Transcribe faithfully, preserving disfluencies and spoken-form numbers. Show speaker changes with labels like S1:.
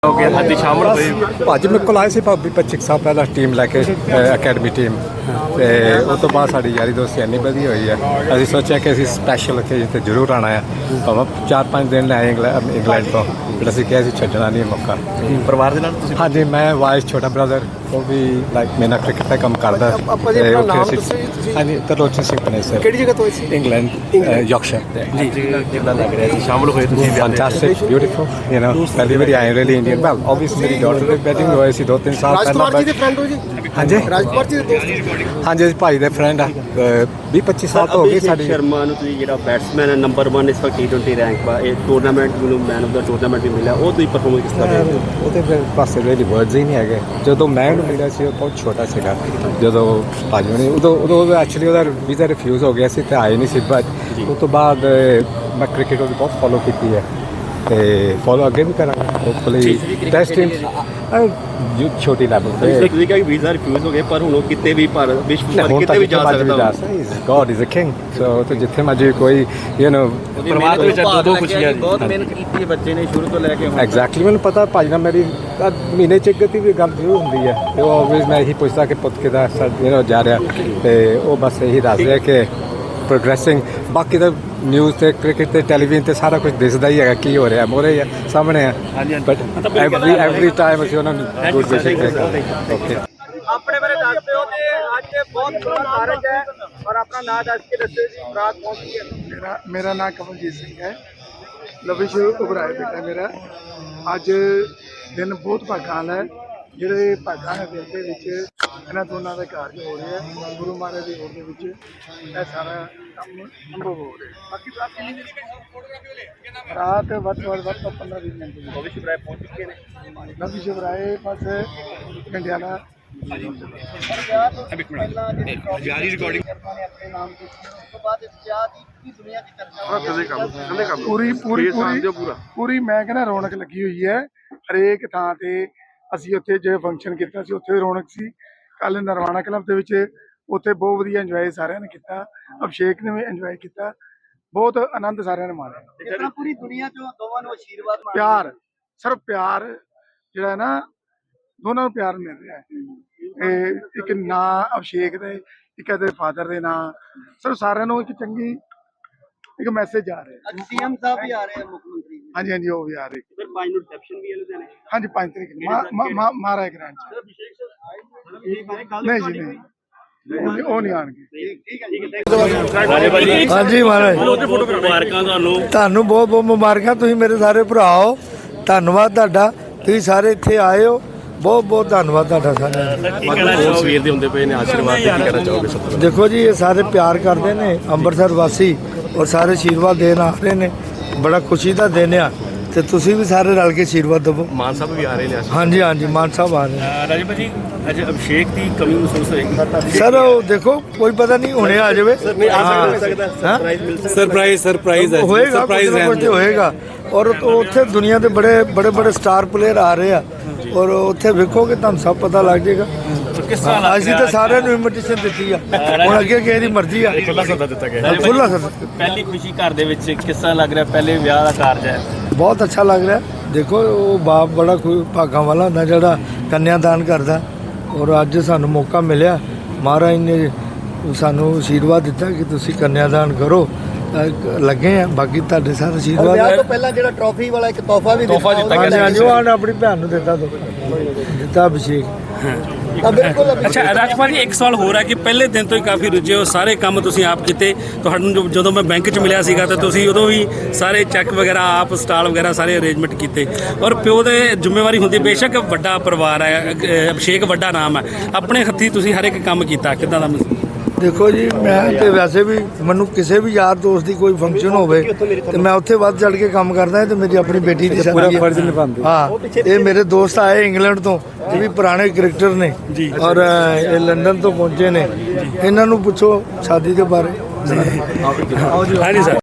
S1: ਹੋ ਗਿਆ ਸਾਡੀ ਸ਼ਾਮਲ ਹੋਏ
S2: ਭਾਜੀ ਮੇਰੇ ਕੋਲ ਆਏ ਸੀ ਭਾਬੀ ਪੱਚੀ ਕੁ ਸਾਲ ਪਹਿਲਾਂ ਟੀਮ ਲੈ ਕੇ ਅਕੈਡਮੀ ਟੀਮ ਤੇ ਉਸ ਤੋਂ ਬਾਅਦ ਸਾਡੀ ਯਾਰੀ ਦੋਸਤੀ ਇੰਨੀ ਵਧੀਆ ਹੋਈ ਹੈ ਅਸੀਂ ਸੋਚਿਆ ਕਿ ਅਸੀਂ ਸਪੈਸ਼ਲ ਓਕੇਜਨ ਤੇ ਜ਼ਰੂਰ ਆਉਣਾ ਹੈ ਭਾਵੇਂ ਚਾਰ ਪੰਜ ਦਿਨ ਲੈ ਇੰਗਲੈਂਡ ਇੰਗਲੈਂਡ ਤੋਂ ਫਿਰ ਅਸੀਂ ਕਿਹਾ ਸੀ ਛੱਡਣਾ ਨਹੀਂ ਮੌਕਾ
S1: ਪਰਿਵਾਰ ਦੇ ਨਾਲ ਤੁਸੀਂ
S2: ਹਾਂਜੀ ਮੈਂ ਵਾਈਸ ਛੋਟਾ ਬ੍ਰਦਰ ਉਹ ਵੀ ਲਾਈਕ ਮੇਰਾ ਕ੍ਰਿਕਟ ਦਾ ਕੰਮ ਕਰਦਾ ਤੇ ਉੱਥੇ ਅਸੀਂ ਹਾਂਜੀ ਤਰਲੋਚਨ ਸਿੰਘ ਪਨੇਸਰ
S3: ਕਿਹੜੀ ਜਗ੍ਹਾ ਤੋਂ ਸੀ?
S2: ਇੰਗਲੈਂਡ ਯਾਰਕਸ਼ਾਇਰ
S1: ਜੀ ਕਿੱਦਾਂ ਲੱਗ ਰਿਹਾ ਜੀ ਸ਼ਾਮਲ ਹੋਏ ਤੁਸੀਂ
S2: Fantastic, beautiful, you know, ਪਹਿਲੀ ਵਾਰੀ ਆਏ really Indian. Well, obviously ਮੇਰੀ daughter ਦੇ wedding ਹੋਏ ਸੀ ਦੋ ਤਿੰਨ ਸਾਲ ਪਹਿਲਾਂ।
S3: ਰਾਜਕੁਮਾਰ ਜੀ ਦੇ ਫਰੈਂਡ ਹੋ ਜੀ?
S2: ਹਾਂਜੀ
S3: ਰਾਜਕੁਮਾਰ ਜੀ ਦੇ ਦੋਸਤ?
S2: ਹਾਂਜੀ ਅਸੀਂ ਭਾਈ ਦੇ ਫਰੈਂਡ ਆ ਵੀਹ ਪੱਚੀ ਸਾਲ ਤੋਂ ਹੋ ਗਏ ਸਾਡੀ।
S4: ਸ਼ਰਮਾ ਨੂੰ ਤੁਸੀਂ ਜਿਹੜਾ ਬੈਟਸਮੈਨ ਹੈ ਨੰਬਰ ਇੱਕ ਇਸ ਵਕਤ ਟੀ ਟਵੈਂਟੀ ਰੈਂਕ ਪਾ ਇਹ ਟੂਰਨਾਮੈਂਟ ਨੂੰ ਮੈਨ ਆਫ ਦਾ ਟੂਰਨਾਮੈਂਟ ਵੀ ਮਿਲਿਆ ਉਹ ਤੁਸੀਂ ਪਰਫਾਰਮੈਂਸ ਕਿਸ ਤਰ੍ਹਾਂ ਦੇ
S2: ਉਹਦੇ ਫਿਰ ਪਾਸੇ really words ਹੀ ਨਹੀਂ ਹੈਗੇ ਜਦੋਂ ਮੈਂ ਉਹਨੂੰ ਮਿਲਿਆ ਸੀ ਉਹ ਬਹੁਤ ਛੋਟਾ ਸੀਗਾ ਜਦੋਂ ਭਾਜੀ ਨੇ ਉਦੋਂ ਉਦੋਂ ਐਕਚੁਅਲੀ ਉਹਦਾ ਵੀਜ਼ਾ ਰਿਫਿਊਜ਼ ਹੋ ਗਿਆ ਸੀ ਤੇ ਆਏ ਨਹੀਂ ਸੀ ਬਟ ਉਸ ਤੋਂ ਬਾਅਦ ਮੈਂ ਕ੍ਰਿਕਟ ਉਹਦੀ ਬਹੁਤ ਫੋਲੋ ਕੀਤੀ ਹੈ ਤੇ ਫੋਲੋ ਅੱਗੇ ਵੀ ਕਰਾਂਗਾ ਹੋਪਫੁਲੀ ਟੈਸਟ ਟੀਮ ਛੋਟੀ ਲੈਵਲ ਤੇ
S4: ਤੁਸੀਂ ਕਿਹਾ ਕਿ ਵੀਜ਼ਾ ਰਿਫਿਊਜ਼ ਹੋ ਗਿਆ ਪਰ ਹੁਣ ਉਹ ਕਿਤੇ ਵੀ ਭਾਰਤ ਵਿਸ਼ਵ ਭਰ ਕਿਤੇ ਵੀ ਜਾ ਸਕਦਾ
S2: God is a king so ਤੇ ਜਿੱਥੇ ਮਰਜੀ ਕੋਈ ਯੂ ਨੋ
S1: ਪਰਿਵਾਰ ਦੇ ਵਿੱਚ ਦੋ ਦੋ ਖੁਸ਼ੀਆਂ ਜੀ
S4: ਬਹੁਤ ਮਿਹਨਤ ਕੀਤੀ ਹੈ ਬੱਚੇ ਨੇ ਸ਼ੁਰੂ ਤੋਂ ਲੈ ਕੇ ਹੁਣ
S2: ਐਗਜ਼ੈਕਟਲੀ ਮੈਨੂੰ ਪਤਾ ਭਾਜੀ ਨਾਲ ਮੇਰੀ ਮਹੀਨੇ ਚ ਇੱਕ ਵੀ ਗੱਲ ਜ਼ਰੂਰ ਹੁੰਦੀ ਹੈ ਤੇ ਉਹ ਆਲਵੇਜ਼ ਮੈਂ ਇਹੀ ਪੁੱਛਦਾ ਕਿ ਪੁੱਤ ਕਿਦਾ ਯੂ ਨੋ ਜਾ ਰਿਹਾ ਤੇ ਉਹ ਬਸ ਇਹੀ ਦੱਸ ਰਿਹਾ ਕਿ ਪ੍ਰੋਗਰੈਸਿੰਗ ਬਾਕੀ ਤਾਂ ਨਿਊਜ਼ ਤੇ ਕ੍ਰਿਕਟ ਤੇ ਟੈਲੀਵਿਜ਼ਨ ਤੇ ਸਾਰਾ ਕੁਝ ਦਿਸਦਾ ਹੀ ਹੈਗਾ ਕੀ ਹੋ ਰਿਹਾ ਮੋਰੇ ਆ ਸਾਹਮਣੇ ਆ ਬਟ ਐਵਰੀ ਐਵਰੀ ਟਾਈਮ ਅਸੀਂ ਉਹਨਾਂ ਨੂੰ ਗੁੱਡ ਵਿਸ਼ੇਸ ਕਰਦੇ ਓਕੇ
S3: ਆਪਣੇ ਬਾਰੇ ਦੱਸਦੇ ਹੋ ਤੇ ਅੱਜ ਬਹੁਤ ਸੋਹਣਾ ਕਾਰਜ ਹੈ ਔਰ ਆਪਣਾ ਨਾਮ ਦੱਸ ਕੇ ਦੱਸਿਓ ਜੀ ਬਰਾਤ ਪਹੁੰਚੀ ਹੈ।
S5: ਮੇਰਾ ਮੇਰਾ ਨਾਮ ਕਮਲਜੀਤ ਸਿੰਘ ਹੈ ਲਵਿਸ਼ ਉਬਰਾਏ ਬੇਟਾ ਮੇਰਾ ਅੱਜ ਦਿਨ ਬਹੁਤ ਭਾਗਾਂ ਵਾਲਾ ਹੈ ਜਿਹੜੇ ਭਾਗਾਂ ਦੇ ਦਿਨ ਦੇ ਵਿੱਚ ਇਹਨਾਂ ਦੋਨਾਂ ਦਾ ਕਾਰਜ ਹੋ ਰਿਹਾ ਹੈ ਗੁਰੂ ਮਹਾਰਾਜ ਦੀ ਹੋਂਦ ਦੇ ਵਿੱਚ ਇਹ ਸਾਰਾ ਕੰਮ ਸੰਭਵ ਹੋ ਰਿਹਾ ਬਾਕੀ ਬਾਤ ਕਿੰਨੀ ਦੇਰ ਰਾਤ ਵੱਧ ਤੋਂ ਵੱਧ ਪੰਦਰਾਂ ਵੀਹ ਮਿੰਟ ਦੀ
S4: ਲਵਿਸ਼ ਉਬਰਾਏ ਪਹੁੰਚ ਚੁੱਕੇ ਨੇ
S5: ਲਵਿਸ਼ ਉਬਰਾਏ ਬਸ ਘੰਟਿਆਂ ਦਾ
S1: ਜਾਰੀ ਰਿਕਾਰਡਿੰਗ
S3: ਆਪਣੇ ਨਾਮ ਤੇ ਉਸ ਤੋਂ ਬਾਅਦ ਇਸ ਵਿਆਹ ਦੀ ਪੂਰੀ ਦੁਨੀਆ ਦੀ ਚਰਚਾ
S5: ਪੂਰੀ ਪੂਰੀ ਪੂਰੀ ਪੂਰੀ ਮੈਂ ਕਹਿੰਦਾ ਰੌਣਕ ਲੱਗੀ ਹੋਈ ਹੈ ਹਰੇਕ ਥਾਂ ਤੇ ਅਸੀਂ ਉੱਥੇ ਜੇ ਫੰਕਸ਼ਨ ਕੀਤਾ ਸੀ ਉੱਥੇ ਰੌਣਕ ਸੀ ਕੱਲ ਨਰਵਾਣਾ ਕਲੱਬ ਦੇ ਵਿੱਚ ਉੱਥੇ ਬਹੁਤ ਵਧੀਆ ਇੰਜੋਏ ਸਾਰਿਆਂ ਨੇ ਕੀਤਾ ਅਭਿਸ਼ੇਕ ਨੇ ਵੀ ਇੰਜੋਏ ਕੀਤਾ ਬਹੁਤ ਆਨੰਦ ਸਾਰਿਆਂ ਨੇ ਮਾਣਿਆ
S3: ਇਸ ਤਰ੍ਹਾਂ ਪੂਰੀ ਦੁਨੀਆ ਚੋਂ ਦੋਵਾਂ ਨੂੰ ਆਸ਼ੀਰਵਾਦ ਮਿਲ
S5: ਪਿਆਰ ਸਿਰਫ ਪਿਆਰ ਜਿਹੜਾ ਹੈ ਨਾ ਦੋਨਾਂ ਨੂੰ ਪਿਆਰ ਮਿਲ ਰਿਹਾ ਹੈ ਇਹ ਇੱਕ ਨਾਂ ਅਭਿਸ਼ੇਕ ਦੇ ਇੱਕ ਇਹਦੇ ਫਾਦਰ ਦੇ ਨਾਂ ਸਿਰਫ ਸਾਰਿਆਂ ਨੂੰ ਇੱਕ ਚੰਗੀ ਇੱਕ ਮੈਸੇਜ ਆ ਰਿਹਾ
S3: ਅੱਜ ਸੀਐਮ ਸਾਹਿਬ ਵੀ ਆ ਰਹੇ ਹਨ ਮੁੱਖ ਮੰਤਰੀ ਜੀ।
S5: ਹਾਂਜੀ ਹਾਂਜੀ ਉਹ ਵੀ ਆ ਰਹੇ
S4: ਫਿਰ ਪੰਜ ਨੂੰ ਰਿਸੈਪਸ਼ਨ ਵੀ ਹੈ ਲੁਧਿਆਣੇ
S5: ਹਾਂਜੀ ਪੰਜ ਤਰੀਕ ਨੂੰ ਮਹਾਰਾਜ ਗ੍ਰਾਂਟ ਚ ਨਹੀਂ ਜੀ ਨਹੀਂ ਉਹ- ਉਹ ਨਹੀਂ ਆਣਗੇ
S6: ਹਾਂਜੀ ਮਹਾਰਾਜ
S4: ਮੁਬਾਰਕਾਂ ਤੁਹਾਨੂੰ
S6: ਤੁਹਾਨੂੰ ਬਹੁਤ ਬਹੁਤ ਮੁਬਾਰਕਾਂ ਤੁਸੀਂ ਮੇਰੇ ਸਾਰੇ ਭਰਾ ਹੋ ਧੰਨਵਾਦ ਤੁਹਾਡਾ ਤੁਸੀਂ ਸਾਰੇ ਇੱਥੇ ਆਏ ਹੋ ਬਹੁਤ ਬਹੁਤ ਧੰਨਵਾਦ ਤੁਹਾਡਾ ਸਾਰਿਆਂ
S1: ਸਵੇਰ ਦੇ ਹੁੰਦੇ ਪਏ ਨੇ ਆਸ਼ੀਰਵਾਦ ਦੇ ਕੀ ਕਹਿਣਾ ਚਾਹੋਗੇ ਸਭ ਤੋਂ
S6: ਦੇਖੋ ਜੀ ਇਹ ਸਾਰੇ ਪਿਆਰ ਕਰਦੇ ਨੇ ਅੰਮ੍ਰਿਤਸਰ ਵਾਸੀ ਔਰ ਸਾਰੇ ਆਸ਼ੀਰਵਾਦ ਦੇਣ ਆ ਰਹੇ ਨੇ ਬੜਾ ਖੁਸ਼ੀ ਦਾ ਦਿਨ ਆ ਤੇ ਤੁਸੀਂ ਵੀ ਸਾਰੇ ਰਲ ਕੇ ਆਸ਼ੀਰਵਾਦ ਦਿਵੋ
S1: ਮਾਨ ਸਾਹਿਬ ਵੀ ਆ ਰਹੇ ਨੇ
S6: ਹਾਂਜੀ ਹਾਂਜੀ ਮਾਨ ਸਾਹਿਬ ਆ ਰਹੇ ਨੇ।
S1: ਰਾਜੀਵ ਜੀ ਅੱਜ ਅਭਿਸ਼ੇਕ ਦੀ ਕਮੀ ਮਹਿਸੂਸ ਹੋਏਗੀ
S6: ਸਰ ਉਹ ਦੇਖੋ ਕੋਈ ਪਤਾ ਨਹੀਂ ਹੁਣੇ ਆ ਜਾਵੇ
S1: ਸਰਪ੍ਰਾਈਜ਼ ਸਰਪ੍ਰਾਈਜ਼ ਹੈ
S6: ਹੋਏਗਾ ਸਰਪ੍ਰਾਈਜ਼ ਹੋਏਗਾ ਔਰ ਉੱਥੇ ਦੁਨੀਆ ਦੇ ਬੜੇ ਬੜੇ ਬੜੇ ਸਟਾਰ ਪਲੇਅਰ ਆ ਰਹੇ ਆ ਔਰ ਉੱਥੇ ਵੇਖੋਗੇ ਤੁਹਾਨੂੰ ਸਭ ਪਤਾ ਲੱਗ ਜਾਏਗਾ ਅਸੀਂ ਤਾਂ ਸਾਰਿਆਂ ਨੂੰ ਇਨਵੀਟੇਸ਼ਨ ਦਿੱਤੀ ਆ ਹੁਣ ਅੱਗੇ ਕਿਸੇ ਦੀ ਮਰਜ਼ੀ ਆ
S1: ਖੁੱਲਾ ਸੱਦਾ ਦਿੱਤਾ ਗਿਆ
S6: ਖੁੱਲਾ ਸੱਦਾ
S4: ਪਹਿਲੀ ਖੁਸ਼ੀ ਘਰ ਦੇ ਵਿੱਚ ਕਿਸ ਤਰ੍ਹਾਂ ਲੱਗ ਰਿਹਾ ਪਹਿਲੇ ਵਿਆਹ ਦਾ ਕਾਰਜ ਹੈ
S6: ਬਹੁਤ ਅੱਛਾ ਲੱਗ ਰਿਹਾ ਦੇਖੋ ਉਹ ਬਾਪ ਬੜਾ ਭਾਗਾਂ ਵਾਲਾ ਹੁੰਦਾ ਜਿਹੜਾ ਕੰਨਿਆਦਾਨ ਕਰਦਾ ਔਰ ਅੱਜ ਸਾਨੂੰ ਮੌਕਾ ਮਿਲਿਆ ਮਹਾਰਾਜ ਨੇ ਸਾਨੂੰ ਆਸ਼ੀਰਵਾਦ ਦਿੱਤਾ ਕਿ ਤੁਸੀਂ ਕੰਨਿਆਦਾਨ ਕਰੋ ਲੱਗੇ ਆ ਬਾਕੀ ਤੁਹਾਡੇ ਸਾਰੇ ਆਸ਼ੀਰਵਾਦ
S3: ਵਿਆਹ ਤੋਂ ਪਹਿਲਾਂ ਜਿਹੜਾ ਟਰੋਫੀ ਵਾਲਾ ਇੱਕ ਤੋਹਫਾ ਵੀ
S1: ਤੋਹਫਾ ਦਿੱਤਾ
S6: ਹਾਂਜੀ ਹਾਂਜੀ ਉਹ ਆਪਣੀ ਭੈਣ ਨੂੰ ਦਿੱਤਾ ਦਿੱਤਾ ਅਭਿਸ਼ੇਕ
S3: ਤਾਂ ਬਿਲਕੁਲ
S7: ਅੱਛਾ ਰਾਜਕੁਮਾਰ ਜੀ ਇੱਕ ਸਵਾਲ ਹੋਰ ਹੈ ਕਿ ਪਹਿਲੇ ਦਿਨ ਤੋਂ ਹੀ ਕਾਫੀ ਰੁੱਝੇ ਹੋ ਸਾਰੇ ਕੰਮ ਤੁਸੀਂ ਆਪ ਕੀਤੇ ਤੁਹਾਨੂੰ ਜੋ- ਜਦੋਂ ਮੈਂ ਬੈਂਕ 'ਚ ਮਿਲਿਆ ਸੀਗਾ ਤਾਂ ਤੁਸੀਂ ਉਦੋਂ ਵੀ ਸਾਰੇ ਚੈੱਕ ਵਗੈਰਾ ਆਪ ਸਟਾਲ ਵਗੈਰਾ ਸਾਰੇ ਅਰੇਂਜਮੈਂਟ ਕੀਤੇ ਔਰ ਪਿਓ ਦੇ ਜ਼ਿੰਮੇਵਾਰੀ ਹੁੰਦੀ ਬੇਸ਼ੱਕ ਵੱਡਾ ਪਰਿਵਾਰ ਹੈ ਅ- ਅਭਿਸ਼ੇਕ ਵੱਡਾ ਨਾਮ ਹੈ ਆਪਣੇ ਹੱਥੀਂ ਤੁਸੀਂ ਹਰ ਇੱਕ ਕੰਮ ਕੀਤਾ ਕਿੱਦਾਂ ਦਾ ਮਹਿਸੂਸ?
S6: ਦੇਖੋ ਜੀ ਮੈਂ ਤੇ ਵੈਸੇ ਵੀ ਮੈਨੂੰ ਕਿਸੇ ਵੀ ਯਾਰ ਦੋਸਤ ਦੀ ਕੋਈ ਫੰਕਸ਼ਨ ਹੋਵੇ ਤੇ ਮੈਂ ਉੱਥੇ ਵੱਧ ਚੜ ਕੇ ਕੰਮ ਕਰਦਾ ਤੇ ਮੇਰੀ ਆਪਣੀ ਬੇਟੀ ਦੀ
S2: ਪੂਰਾ
S6: ਸ਼ਾਦੀ
S2: ਫਰਜ਼
S6: ਹੈ
S2: ਨਿਭਾਉਂਦੇ
S6: ਹਾਂ ਇਹ ਮੇਰੇ ਦੋਸਤ ਆਏ ਇੰਗਲੈਂਡ ਤੋਂ ਇਹ ਵੀ ਪੁਰਾਣੇ ਕ੍ਰਿਕਟਰ ਨੇ ਔਰ ਇਹ ਲੰਡਨ ਤੋਂ ਪਹੁੰਚੇ ਨੇ ਇਹਨਾਂ ਨੂੰ ਪੁੱਛੋ ਸ਼ਾਦੀ ਦੇ ਬਾਰੇ
S7: ਹਾਂਜੀ ਸਰ